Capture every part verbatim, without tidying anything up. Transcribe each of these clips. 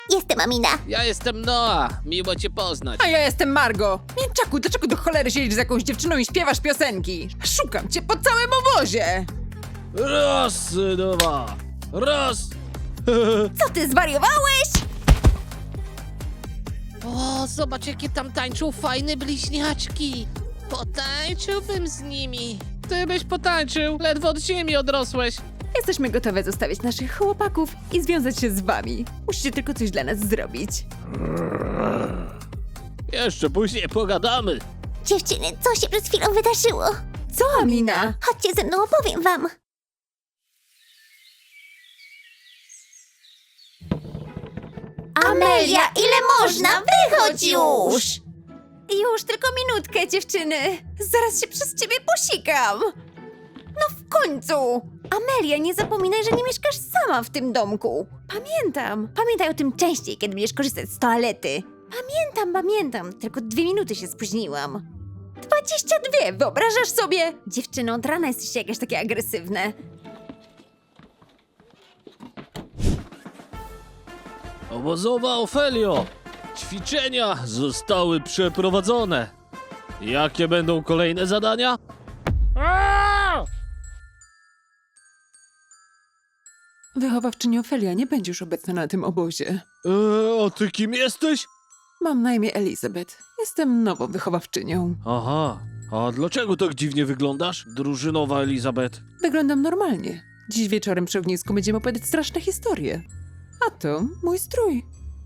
Jestem Amina. Ja jestem Noah, miło cię poznać. A ja jestem Margo. Mięczaku, dlaczego do cholery siedzisz z jakąś dziewczyną i śpiewasz piosenki? Szukam cię po całym obozie. Raz, dwa, raz. Co ty zwariowałeś? O, zobacz jakie tam tańczą fajne bliźniaczki. Potańczyłbym z nimi. Ty byś potańczył, ledwo od ziemi odrosłeś. Jesteśmy gotowe zostawić naszych chłopaków i związać się z wami. Musicie tylko coś dla nas zrobić. Jeszcze później pogadamy. Dziewczyny, co się przed chwilą wydarzyło? Co, Amina? Chodźcie ze mną, opowiem wam. Amelia, ile można? Wychodź już! Już tylko minutkę, dziewczyny. Zaraz się przez ciebie posikam. No w końcu. Amelia, nie zapominaj, że nie mieszkasz sama w tym domku. Pamiętam. Pamiętaj o tym częściej, kiedy będziesz korzystać z toalety. Pamiętam, pamiętam. Tylko dwie minuty się spóźniłam. Dwadzieścia dwie, wyobrażasz sobie? Dziewczyno, od rana jesteście jakieś takie agresywne. Obozowa Ofelio, ćwiczenia zostały przeprowadzone. Jakie będą kolejne zadania? Aaaa! Wychowawczyni Ofelia nie będzie już obecna na tym obozie. Eee, a ty kim jesteś? Mam na imię Elizabeth. Jestem nową wychowawczynią. Aha, a dlaczego tak dziwnie wyglądasz, drużynowa Elizabeth? Wyglądam normalnie. Dziś wieczorem przy ognisku będziemy opowiadać straszne historie. A to mój strój.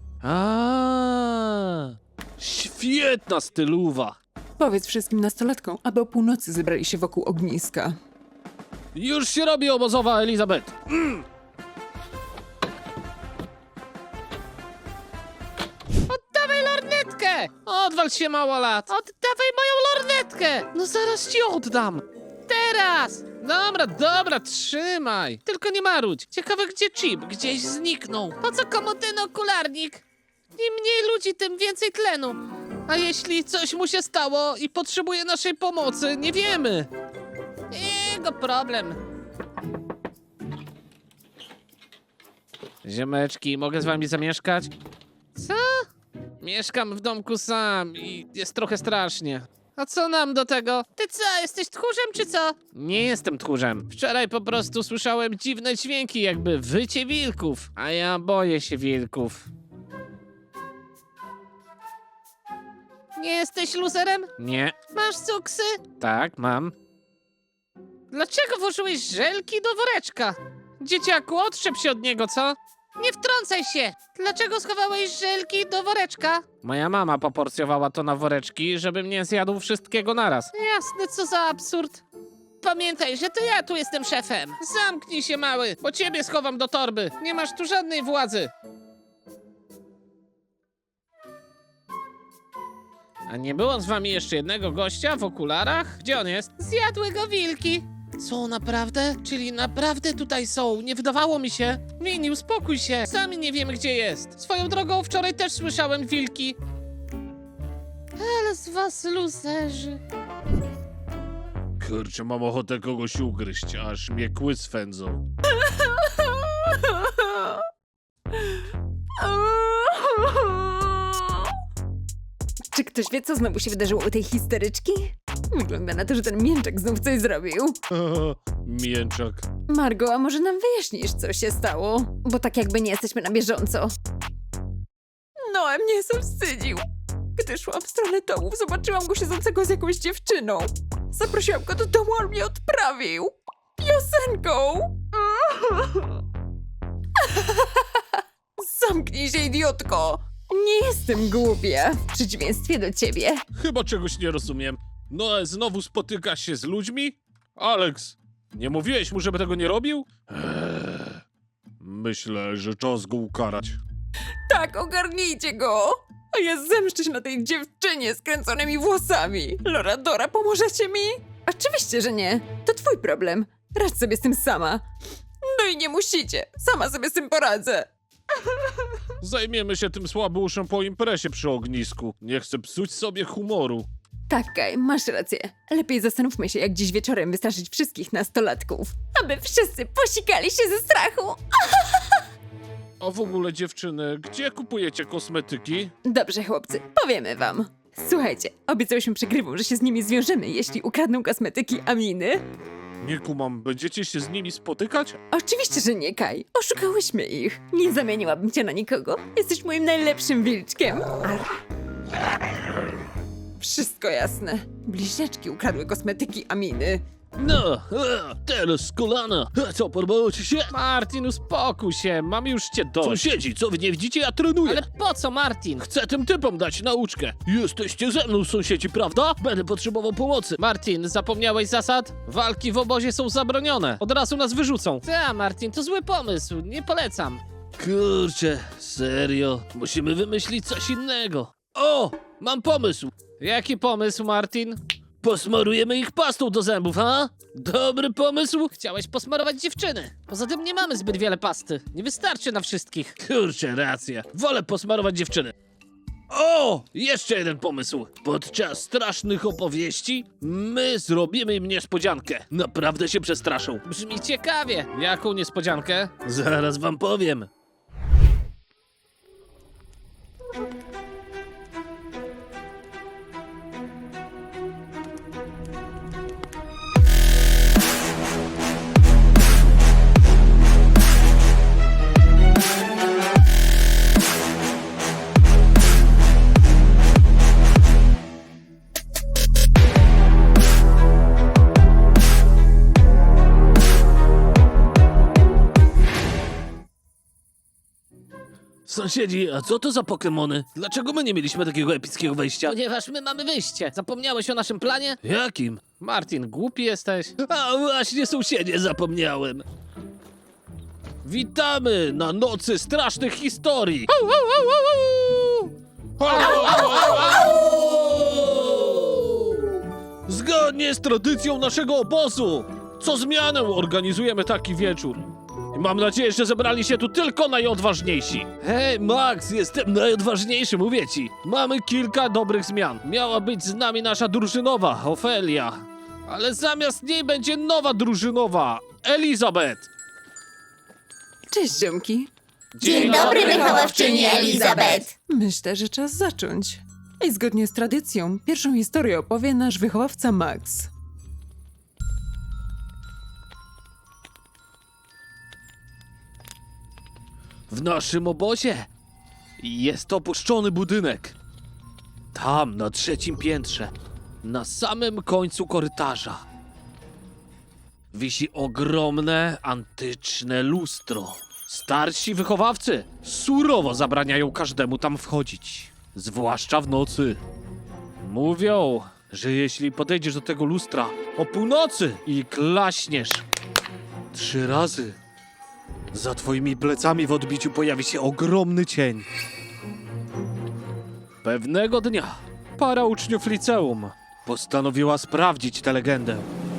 A, świetna styluwa. Powiedz wszystkim nastolatkom, aby o północy zebrali się wokół ogniska. Już się robi obozowa Elizabeth. Mm. Oddawaj lornetkę! Odwal się, małolat! Oddawaj moją lornetkę! No zaraz ci oddam! Teraz! Dobra, dobra, trzymaj! Tylko nie marudź! Ciekawe, gdzie chip? Gdzieś zniknął. Po co komu ten okularnik? Im mniej ludzi, tym więcej tlenu. A jeśli coś mu się stało i potrzebuje naszej pomocy, nie wiemy. Jego problem. Ziomeczki, mogę z wami zamieszkać? Co? Mieszkam w domku sam i jest trochę strasznie. A co nam do tego? Ty co, jesteś tchórzem czy co? Nie jestem tchórzem. Wczoraj po prostu słyszałem dziwne dźwięki, jakby wycie wilków. A ja boję się wilków. Nie jesteś luzerem? Nie. Masz cuksy? Tak, mam. Dlaczego włożyłeś żelki do woreczka? Dzieciaku, odczep się od niego, co? Nie wtrącaj się! Dlaczego schowałeś żelki do woreczka? Moja mama poporcjowała to na woreczki, żebym nie zjadł wszystkiego naraz. Jasne, co za absurd. Pamiętaj, że to ja tu jestem szefem. Zamknij się, mały, bo ciebie schowam do torby. Nie masz tu żadnej władzy. A nie było z wami jeszcze jednego gościa w okularach? Gdzie on jest? Zjadły go wilki. Co, naprawdę? Czyli naprawdę tutaj są? Nie wydawało mi się. Mini, uspokój się. Sami nie wiemy, gdzie jest. Swoją drogą, wczoraj też słyszałem wilki. Ale z was luzerzy. Kurczę, mam ochotę kogoś ugryźć, aż mnie kły swędzą. Czy ktoś wie, co znowu się wydarzyło u tej histeryczki? Wygląda na to, że ten mięczak znów coś zrobił. Mięczak. Margo, a może nam wyjaśnisz, co się stało? Bo tak jakby nie jesteśmy na bieżąco. Noe mnie zawstydził. Gdy szłam w stronę dołów, zobaczyłam go siedzącego z jakąś dziewczyną. Zaprosiłam go do domu, a on mnie odprawił. Piosenką. Zamknij się, idiotko. Nie jestem głupia, w przeciwieństwie do ciebie. Chyba czegoś nie rozumiem. No, znowu spotykasz się z ludźmi? Alex, nie mówiłeś mu, żeby tego nie robił? Eee, myślę, że czas go ukarać. Tak, ogarnijcie go! A ja zemszczę się na tej dziewczynie z kręconymi włosami. Loradora, pomożecie mi? Oczywiście, że nie. To twój problem. Radź sobie z tym sama. No i nie musicie. Sama sobie z tym poradzę. Zajmiemy się tym słabuszem po imprezie przy ognisku. Nie chcę psuć sobie humoru. Tak, Kaj, masz rację. Lepiej zastanówmy się, jak dziś wieczorem wystraszyć wszystkich nastolatków. Aby wszyscy posikali się ze strachu. A w ogóle dziewczyny, gdzie kupujecie kosmetyki? Dobrze, chłopcy, powiemy wam. Słuchajcie, obiecałyśmy przegrywom, że się z nimi zwiążemy, jeśli ukradną kosmetyki Aminy. Nie kumam, będziecie się z nimi spotykać? Oczywiście, że nie, Kaj. Oszukałyśmy ich. Nie zamieniłabym cię na nikogo. Jesteś moim najlepszym wilczkiem. Ar. Wszystko jasne. Bliźniaczki ukradły kosmetyki Aminy. No, e, teraz kolana. E, Co, podobało ci się? Martin, uspokój się, mam już cię dość. Sąsiedzi, co wy nie widzicie? Ja trenuję. Ale po co, Martin? Chcę tym typom dać nauczkę. Jesteście ze mną, sąsiedzi, prawda? Będę potrzebował pomocy. Martin, zapomniałeś zasad? Walki w obozie są zabronione. Od razu nas wyrzucą. Ta, Martin, to zły pomysł, nie polecam. Kurczę, serio. Musimy wymyślić coś innego. O, mam pomysł. Jaki pomysł, Martin? Posmarujemy ich pastą do zębów, ha? Dobry pomysł? Chciałeś posmarować dziewczyny. Poza tym nie mamy zbyt wiele pasty. Nie wystarczy na wszystkich. Kurczę, racja. Wolę posmarować dziewczyny. O! Jeszcze jeden pomysł. Podczas strasznych opowieści my zrobimy im niespodziankę. Naprawdę się przestraszą. Brzmi ciekawie. Jaką niespodziankę? Zaraz wam powiem. Sąsiedzi, a co to za Pokemony? Dlaczego my nie mieliśmy takiego epickiego wejścia? Ponieważ my mamy wyjście. Zapomniałeś o naszym planie? Jakim? Martin, głupi jesteś. A właśnie, sąsiedzie, zapomniałem. Witamy na nocy strasznych historii. Zgodnie z tradycją naszego obozu, co zmianę organizujemy taki wieczór. I mam nadzieję, że zebrali się tu tylko najodważniejsi. Hej, Max, jestem najodważniejszy, mówię ci. Mamy kilka dobrych zmian. Miała być z nami nasza drużynowa, Ofelia. Ale zamiast niej będzie nowa drużynowa, Elizabeth. Cześć, ziomki. Dzień dobry, wychowawczyni Elizabeth. Myślę, że czas zacząć. I zgodnie z tradycją, pierwszą historię opowie nasz wychowawca Max. W naszym obozie jest opuszczony budynek. Tam, na trzecim piętrze, na samym końcu korytarza, wisi ogromne, antyczne lustro. Starsi wychowawcy surowo zabraniają każdemu tam wchodzić, zwłaszcza w nocy. Mówią, że jeśli podejdziesz do tego lustra o północy i klaśniesz trzy razy, za twoimi plecami w odbiciu pojawi się ogromny cień. Pewnego dnia para uczniów liceum postanowiła sprawdzić tę legendę.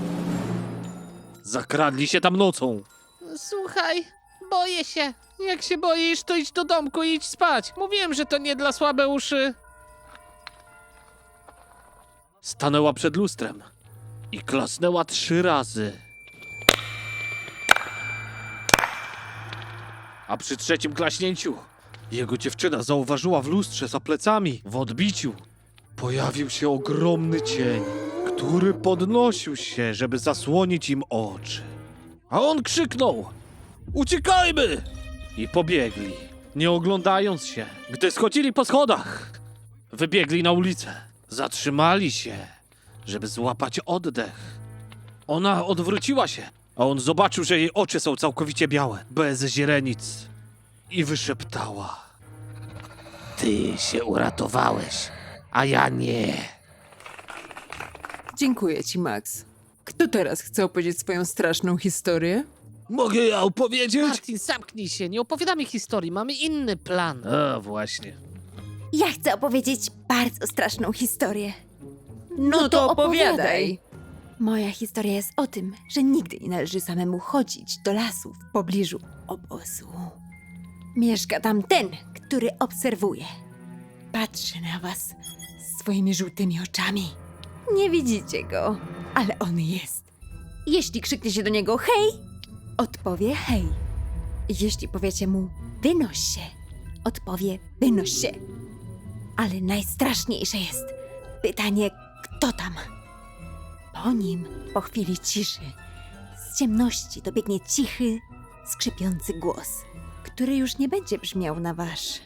Zakradli się tam nocą. Słuchaj, boję się. Jak się boisz, to idź do domku i idź spać. Mówiłem, że to nie dla słabe uszy. Stanęła przed lustrem i klasnęła trzy razy. A przy trzecim klaśnięciu jego dziewczyna zauważyła w lustrze za plecami, w odbiciu, pojawił się ogromny cień, który podnosił się, żeby zasłonić im oczy. A on krzyknął: uciekajmy! I pobiegli, nie oglądając się. Gdy schodzili po schodach, wybiegli na ulicę. Zatrzymali się, żeby złapać oddech. Ona odwróciła się, a on zobaczył, że jej oczy są całkowicie białe, bez źrenic. I wyszeptała: ty się uratowałeś, a ja nie. Dziękuję ci, Max. Kto teraz chce opowiedzieć swoją straszną historię? Mogę ja opowiedzieć? Martin, zamknij się. Nie opowiadamy historii. Mamy inny plan. A, właśnie. Ja chcę opowiedzieć bardzo straszną historię. No to opowiadaj. Moja historia jest o tym, że nigdy nie należy samemu chodzić do lasu w pobliżu obozu. Mieszka tam ten, który obserwuje. Patrzy na was swoimi żółtymi oczami. Nie widzicie go, ale on jest. Jeśli krzyknie się do niego hej, odpowie hej. Jeśli powiecie mu wynoś się, odpowie wynoś się. Ale najstraszniejsze jest pytanie, kto tam? Po nim, po chwili ciszy, z ciemności dobiegnie cichy, skrzypiący głos, który już nie będzie brzmiał na wasz.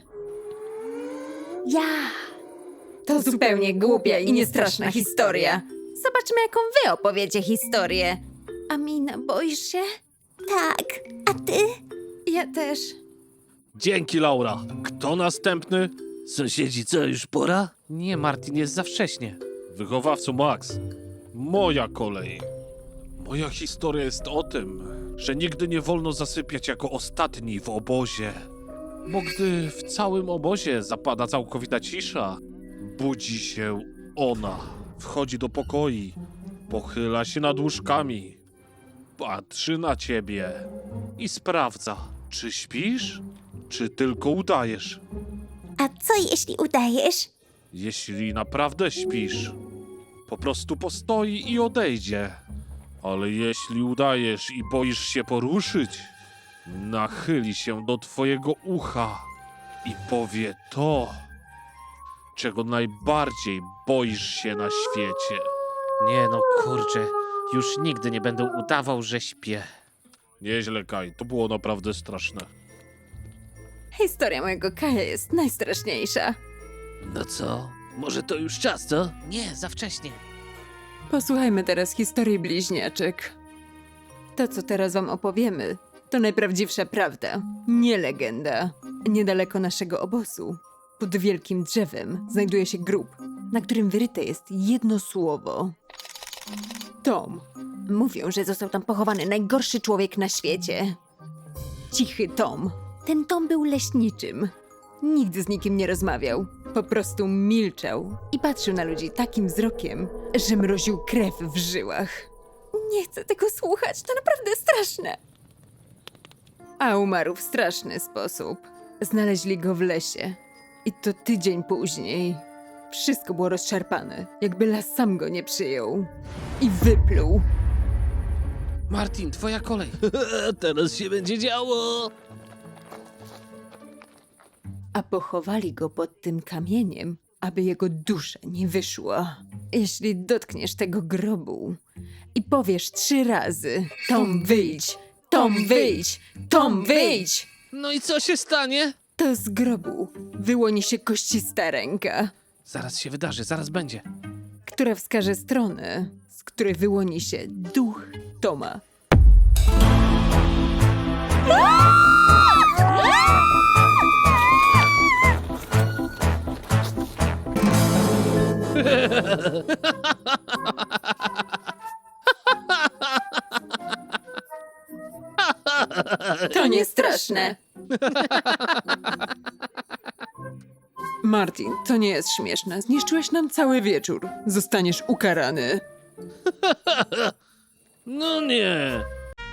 Ja! To zupełnie głupia i niestraszna historia. Zobaczmy, jaką wy opowiecie historię. Amina, boisz się? Tak, a ty? Ja też. Dzięki, Laura. Kto następny? Sąsiedzi, co, już pora? Nie, Martin, jest za wcześnie. Wychowawco Max. Moja kolej. Moja historia jest o tym, że nigdy nie wolno zasypiać jako ostatni w obozie. Bo gdy w całym obozie zapada całkowita cisza, budzi się ona. Wchodzi do pokoi, pochyla się nad łóżkami, patrzy na ciebie i sprawdza, czy śpisz, czy tylko udajesz. A co jeśli udajesz? Jeśli naprawdę śpisz, po prostu postoi i odejdzie. Ale jeśli udajesz i boisz się poruszyć, nachyli się do twojego ucha i powie to, czego najbardziej boisz się na świecie. Nie no, kurczę, już nigdy nie będę udawał, że śpię. Nieźle, Kaj, to było naprawdę straszne. Historia mojego Kaja jest najstraszniejsza. No co? Może to już czas, co? Nie, za wcześnie. Posłuchajmy teraz historii bliźniaczek. To, co teraz wam opowiemy, to najprawdziwsza prawda, nie legenda. Niedaleko naszego obozu, pod wielkim drzewem, znajduje się grób, na którym wyryte jest jedno słowo. Tom. Mówią, że został tam pochowany najgorszy człowiek na świecie. Cichy Tom. Ten Tom był leśniczym. Nigdy z nikim nie rozmawiał. Po prostu milczał i patrzył na ludzi takim wzrokiem, że mroził krew w żyłach. Nie chcę tego słuchać, to naprawdę straszne. A umarł w straszny sposób. Znaleźli go w lesie. I to tydzień później. Wszystko było rozszarpane, jakby las sam go nie przyjął. I wypluł. Martin, twoja kolej. Teraz się będzie działo! A pochowali go pod tym kamieniem, aby jego dusza nie wyszła. Jeśli dotkniesz tego grobu i powiesz trzy razy Tom wyjdź, Tom wyjdź, Tom wyjdź, No i co się stanie? to z grobu wyłoni się koścista ręka, Zaraz się wydarzy, zaraz będzie. która wskaże stronę, z której wyłoni się duch Toma. To nie straszne. Martin, to nie jest śmieszne. Zniszczyłeś nam cały wieczór. Zostaniesz ukarany. No nie!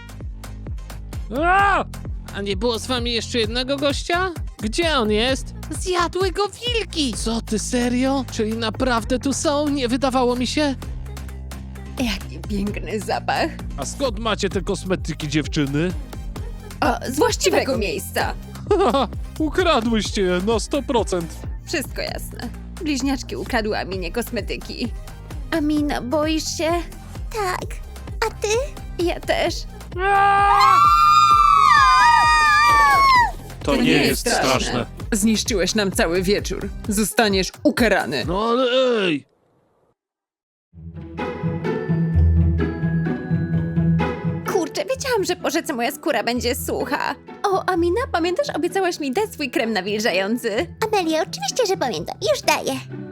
A! A nie było z wami jeszcze jednego gościa? Gdzie on jest? Zjadły go wilki! Co ty, serio? Czyli naprawdę tu są? Nie wydawało mi się? Jaki piękny zapach. A skąd macie te kosmetyki, dziewczyny? O, z właściwego miejsca. Haha, ukradłyście je na sto procent. Wszystko jasne. Bliźniaczki ukradły Aminie kosmetyki. Amina, boisz się? Tak, a ty? Ja też. To, nie, jest straszne. Zniszczyłeś nam cały wieczór. Zostaniesz ukarany. No ale ej! Kurczę, wiedziałam, że po rzece moja skóra będzie sucha. O, Amina, pamiętasz, obiecałaś mi dać swój krem nawilżający? Amelia, oczywiście, że pamiętam. Już daję.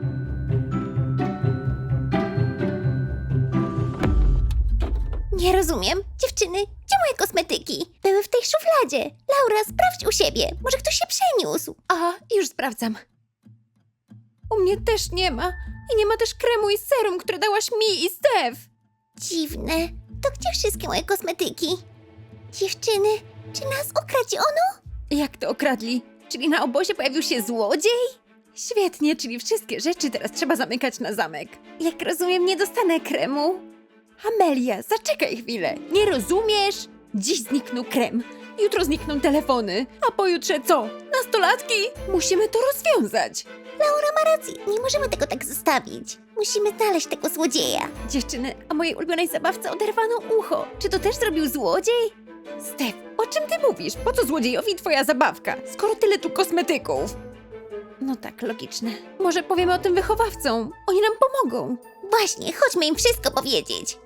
Nie rozumiem. Dziewczyny, gdzie moje kosmetyki? Były w tej szufladzie. Laura, sprawdź u siebie. Może ktoś się przeniósł. A, już sprawdzam. U mnie też nie ma. I nie ma też kremu i serum, które dałaś mi i Stef. Dziwne. To gdzie wszystkie moje kosmetyki? Dziewczyny, czy nas okradziono? Jak to okradli? Czyli na obozie pojawił się złodziej? Świetnie, czyli wszystkie rzeczy teraz trzeba zamykać na zamek. Jak rozumiem, nie dostanę kremu. Amelia, zaczekaj chwilę. Nie rozumiesz? Dziś zniknął krem. Jutro znikną telefony, a pojutrze co? Nastolatki? Musimy to rozwiązać. Laura ma rację, nie możemy tego tak zostawić. Musimy znaleźć tego złodzieja. Dziewczyny, a mojej ulubionej zabawce oderwano ucho. Czy to też zrobił złodziej? Stef, o czym ty mówisz? Po co złodziejowi twoja zabawka, skoro tyle tu kosmetyków? No tak, logiczne. Może powiemy o tym wychowawcom. Oni nam pomogą. Właśnie, chodźmy im wszystko powiedzieć.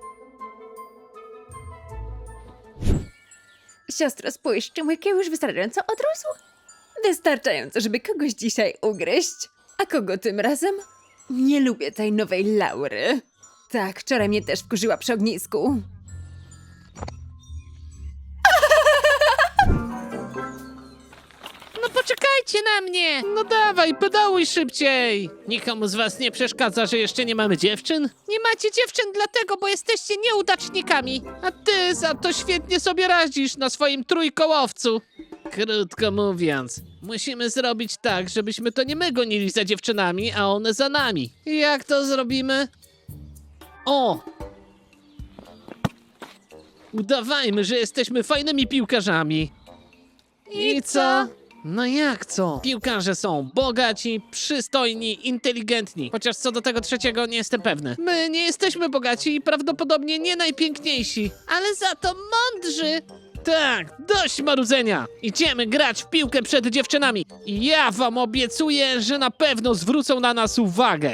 Siostro, spójrz, czy mój kieł już wystarczająco odrósł? Wystarczająco, żeby kogoś dzisiaj ugryźć. A kogo tym razem? Nie lubię tej nowej Laury. Tak, wczoraj mnie też wkurzyła przy ognisku. No poczekajcie na mnie! No dawaj, pedałuj szybciej! Nikomu z was nie przeszkadza, że jeszcze nie mamy dziewczyn? Nie macie dziewczyn dlatego, bo jesteście nieudacznikami. A ty za to świetnie sobie radzisz na swoim trójkołowcu. Krótko mówiąc, musimy zrobić tak, żebyśmy to nie my gonili za dziewczynami, a one za nami. Jak to zrobimy? O! Udawajmy, że jesteśmy fajnymi piłkarzami. I co? No jak co? Piłkarze są bogaci, przystojni, inteligentni. Chociaż co do tego trzeciego nie jestem pewny. My nie jesteśmy bogaci i prawdopodobnie nie najpiękniejsi. Ale za to mądrzy. Tak, dość marudzenia. Idziemy grać w piłkę przed dziewczynami. I ja wam obiecuję, że na pewno zwrócą na nas uwagę.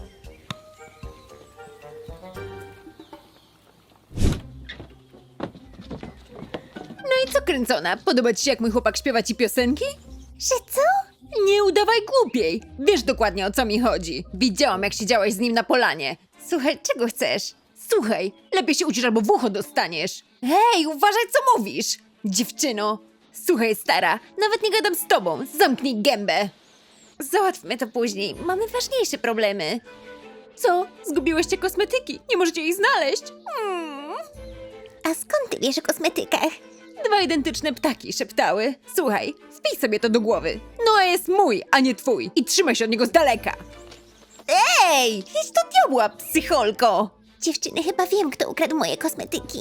No i co, kręcona? Podoba ci się, jak mój chłopak śpiewa ci piosenki? Że co? Nie udawaj głupiej! Wiesz dokładnie, o co mi chodzi. Widziałam, jak siedziałeś z nim na polanie. Słuchaj, czego chcesz? Słuchaj, lepiej się uczysz, albo w ucho dostaniesz. Hej, uważaj, co mówisz! Dziewczyno! Słuchaj, stara, nawet nie gadam z tobą. Zamknij gębę. Załatwmy to później. Mamy ważniejsze problemy. Co? Zgubiłyście kosmetyki? Nie możecie ich znaleźć? Hmm. A skąd ty wiesz o kosmetykach? Dwa identyczne ptaki szeptały. Słuchaj, wpij sobie to do głowy. Noa jest mój, a nie twój. I trzymaj się od niego z daleka. Ej, idź do diabła, psycholko. Dziewczyny, chyba wiem, kto ukradł moje kosmetyki.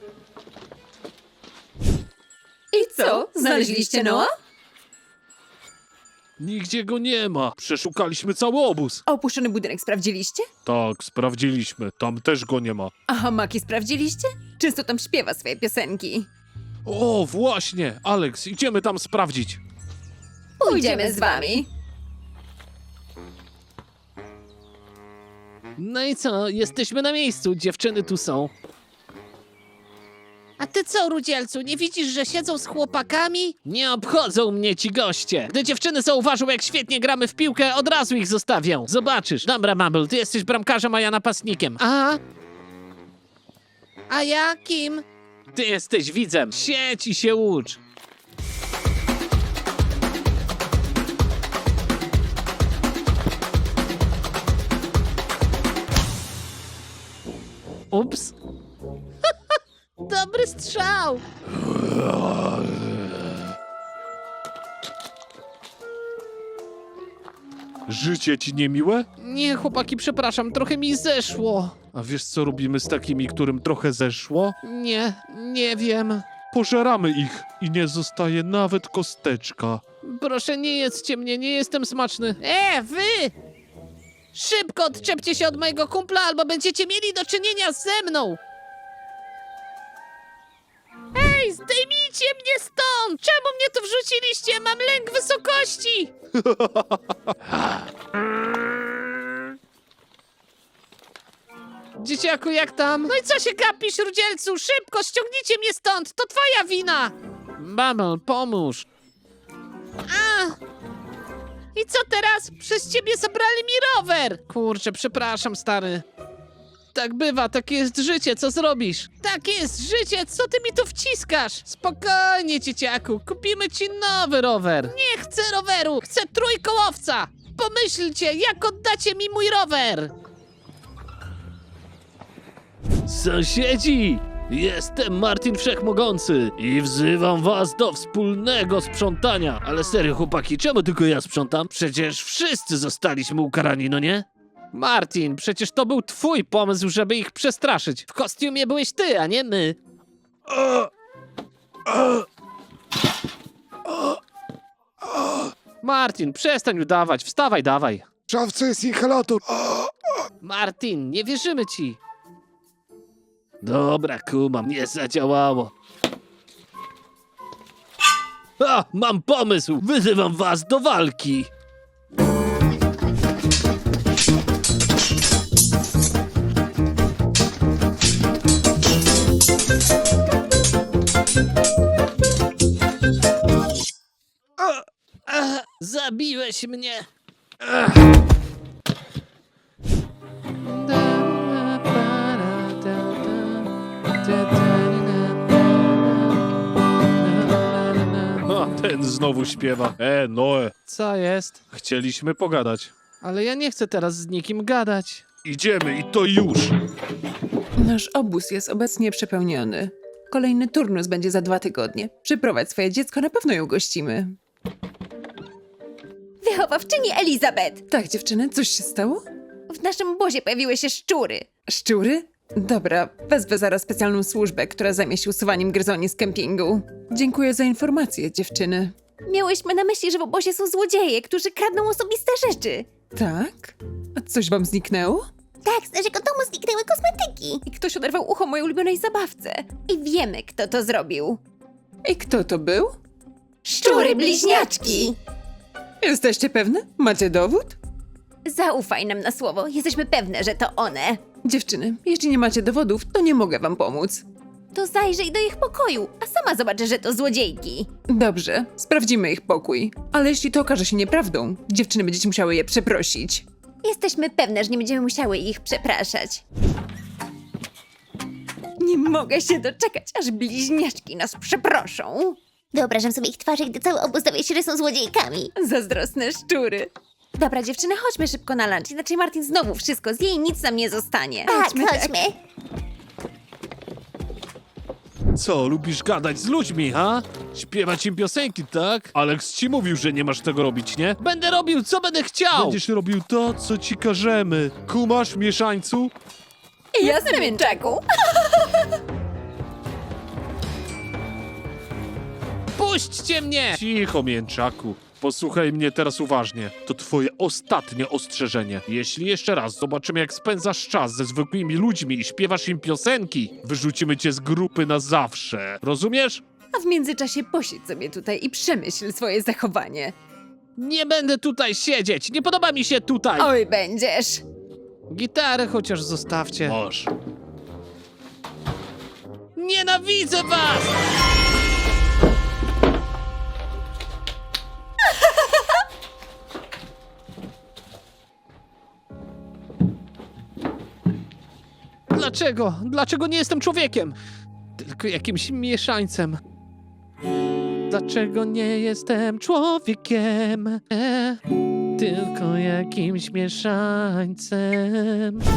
I co, znaleźliście Noa? Nigdzie go nie ma. Przeszukaliśmy cały obóz. A opuszczony budynek sprawdziliście? Tak, sprawdziliśmy. Tam też go nie ma. A hamaki sprawdziliście? Często tam śpiewa swoje piosenki. O, właśnie. Alex, idziemy tam sprawdzić. Pójdziemy z wami. No i co? Jesteśmy na miejscu, dziewczyny tu są. A ty co, Rudzielcu, nie widzisz, że siedzą z chłopakami? Nie obchodzą mnie ci goście. Gdy dziewczyny zauważą, jak świetnie gramy w piłkę, od razu ich zostawią. Zobaczysz. Dobra, Mumble, ty jesteś bramkarzem, a ja napastnikiem. A? A ja kim? Ty jesteś widzem. Siedź i się ucz. Ups. Dobry strzał. Życie ci niemiłe? Nie, chłopaki, przepraszam, trochę mi zeszło. A wiesz, co robimy z takimi, którym trochę zeszło? Nie, nie wiem. Pożeramy ich i nie zostaje nawet kosteczka. Proszę, nie jedzcie mnie, nie jestem smaczny. E, wy! Szybko odczepcie się od mojego kumpla, albo będziecie mieli do czynienia ze mną! Ej, zdejmijcie mnie stąd! Czemu mnie tu wrzuciliście? Mam lęk wysokości! Dzieciaku, jak tam? No i co się gapisz, Rudzielcu? Szybko, ściągnijcie mnie stąd! To twoja wina! Bubble, pomóż! A! I co teraz? Przez ciebie zabrali mi rower! Kurczę, przepraszam, stary. Tak bywa, takie jest życie, co zrobisz? Takie jest życie, co ty mi tu wciskasz? Spokojnie, dzieciaku, kupimy ci nowy rower. Nie chcę roweru, chcę trójkołowca! Pomyślcie, jak oddacie mi mój rower! Sąsiedzi! Jestem Martin Wszechmogący i wzywam was do wspólnego sprzątania. Ale serio, chłopaki, czemu tylko ja sprzątam? Przecież wszyscy zostaliśmy ukarani, no nie? Martin, przecież to był twój pomysł, żeby ich przestraszyć. W kostiumie byłeś ty, a nie my. Martin, przestań udawać, wstawaj, dawaj. W szafce jest inhalator. Martin, nie wierzymy ci. Dobra, kumam, nie zadziałało. A, mam pomysł! Wyzywam was do walki! A, a, zabiłeś mnie! A, ten znowu śpiewa. E, Noe, Co jest? chcieliśmy pogadać. Ale ja nie chcę teraz z nikim gadać. Idziemy i to już. Nasz obóz jest obecnie przepełniony. Kolejny turnus będzie za dwa tygodnie. Przyprowadź swoje dziecko, na pewno ją gościmy. Wychowawczyni Elizabeth! Tak, dziewczyny, coś się stało? W naszym obozie pojawiły się szczury. Szczury? Dobra, wezwę zaraz specjalną służbę, która zajmie się usuwaniem gryzoni z kempingu. Dziękuję za informację, dziewczyny. Miałyśmy na myśli, że w obozie są złodzieje, którzy kradną osobiste rzeczy. Tak? A coś wam zniknęło? Tak, z naszego domu zniknęły kosmetyki. I ktoś oderwał ucho mojej ulubionej zabawce. I wiemy, kto to zrobił. I kto to był? Szczury bliźniaczki! Jesteście pewne? Macie dowód? Zaufaj nam na słowo, jesteśmy pewne, że to one. Dziewczyny, jeśli nie macie dowodów, to nie mogę wam pomóc. To zajrzyj do ich pokoju, a sama zobacz, że to złodziejki. Dobrze, sprawdzimy ich pokój. Ale jeśli to okaże się nieprawdą, dziewczyny będziecie musiały je przeprosić. Jesteśmy pewne, że nie będziemy musiały ich przepraszać. Nie mogę się doczekać, aż bliźniaczki nas przeproszą. Wyobrażam sobie ich twarze, gdy cały obóz dowie się, że są złodziejkami. Zazdrosne szczury. Dobra, dziewczyny, chodźmy szybko na lunch, inaczej Martin znowu wszystko zje i nic nam nie zostanie. Tak, Chodźmy, tak. chodźmy. Co, lubisz gadać z ludźmi, ha? Śpiewać im piosenki, tak? Alex ci mówił, że nie masz tego robić, nie? Będę robił, co będę chciał! Będziesz robił to, co ci każemy. Kumasz, mieszańcu? Jasne, mięczaku. Puśćcie mnie! Cicho, mięczaku. Posłuchaj mnie teraz uważnie. To twoje ostatnie ostrzeżenie. Jeśli jeszcze raz zobaczymy, jak spędzasz czas ze zwykłymi ludźmi i śpiewasz im piosenki, wyrzucimy cię z grupy na zawsze. Rozumiesz? A w międzyczasie posiedź sobie tutaj i przemyśl swoje zachowanie. Nie będę tutaj siedzieć, nie podoba mi się tutaj! Oj, będziesz! Gitarę chociaż zostawcie. Masz. Nienawidzę was! Dlaczego? Dlaczego nie jestem człowiekiem? Tylko jakimś mieszańcem. Dlaczego nie jestem człowiekiem? E, tylko jakimś mieszańcem.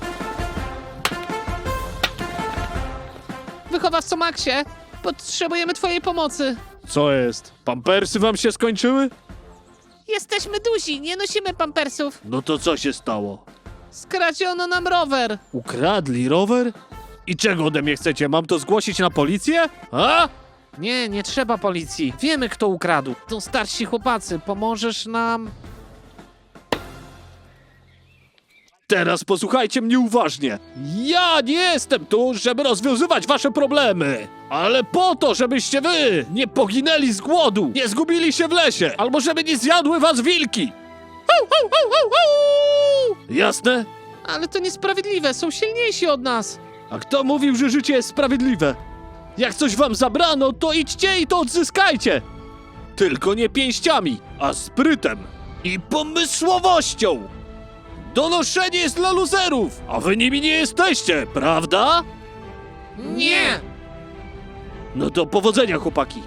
Wychowawco Maxie, potrzebujemy twojej pomocy. Co jest? Pampersy wam się skończyły? Jesteśmy duzi, nie nosimy pampersów. No to co się stało? Skradziono nam rower. Ukradli rower? I czego ode mnie chcecie? Mam to zgłosić na policję? A? Nie, nie trzeba policji. Wiemy, kto ukradł. To starsi chłopacy. Pomożesz nam? Teraz posłuchajcie mnie uważnie. Ja nie jestem tu, żeby rozwiązywać wasze problemy, ale po to, żebyście wy nie poginęli z głodu, nie zgubili się w lesie, albo żeby nie zjadły was wilki. Au, au, au, au, au! Jasne? Ale to niesprawiedliwe, są silniejsi od nas. A kto mówił, że życie jest sprawiedliwe? Jak coś wam zabrano, to idźcie i to odzyskajcie. Tylko nie pięściami, a sprytem i pomysłowością. Donoszenie jest dla luzerów, a wy nimi nie jesteście, prawda? Nie! No to powodzenia, chłopaki.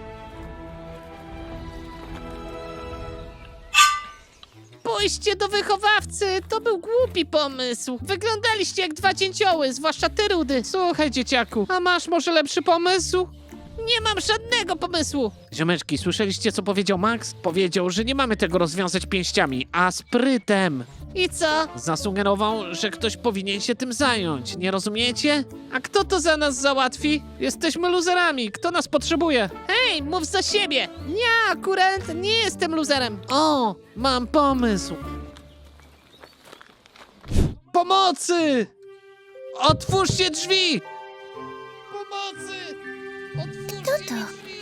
Pójście do wychowawcy, to był głupi pomysł. Wyglądaliście jak dwa dzięcioły, zwłaszcza ty, Rudy. Słuchaj, dzieciaku, a masz może lepszy pomysł? Nie mam żadnego pomysłu. Ziomeczki, słyszeliście, co powiedział Max? Powiedział, że nie mamy tego rozwiązać pięściami, a sprytem. I co? Zasugerował, że ktoś powinien się tym zająć, nie rozumiecie? A kto to za nas załatwi? Jesteśmy luzerami, kto nas potrzebuje? Hej, mów za siebie! Ja akurat nie jestem luzerem. O, mam pomysł. Pomocy! Otwórzcie drzwi! Pomocy! Otwórzcie Kto to? drzwi!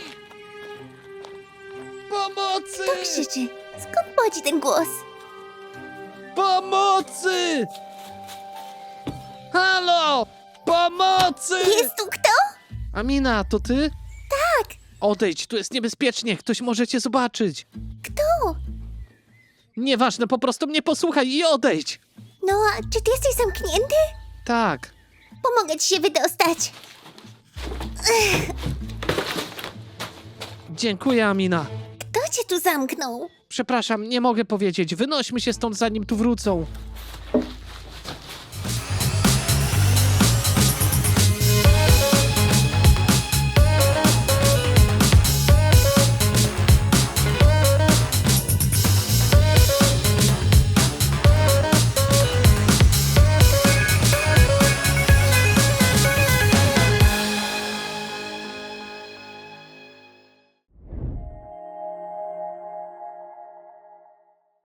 Pomocy! Kto krzyczy? Skąd pochodzi ten głos? Pomocy! Halo! Pomocy! Jest tu kto? Amina, to ty? Tak! Odejdź, tu jest niebezpiecznie, ktoś może cię zobaczyć. Kto? Nieważne, po prostu mnie posłuchaj i odejdź. No, a czy ty jesteś zamknięty? Tak. Pomogę ci się wydostać. Dziękuję, Amina. Kto cię tu zamknął? Przepraszam, nie mogę powiedzieć. Wynośmy się stąd, zanim tu wrócą.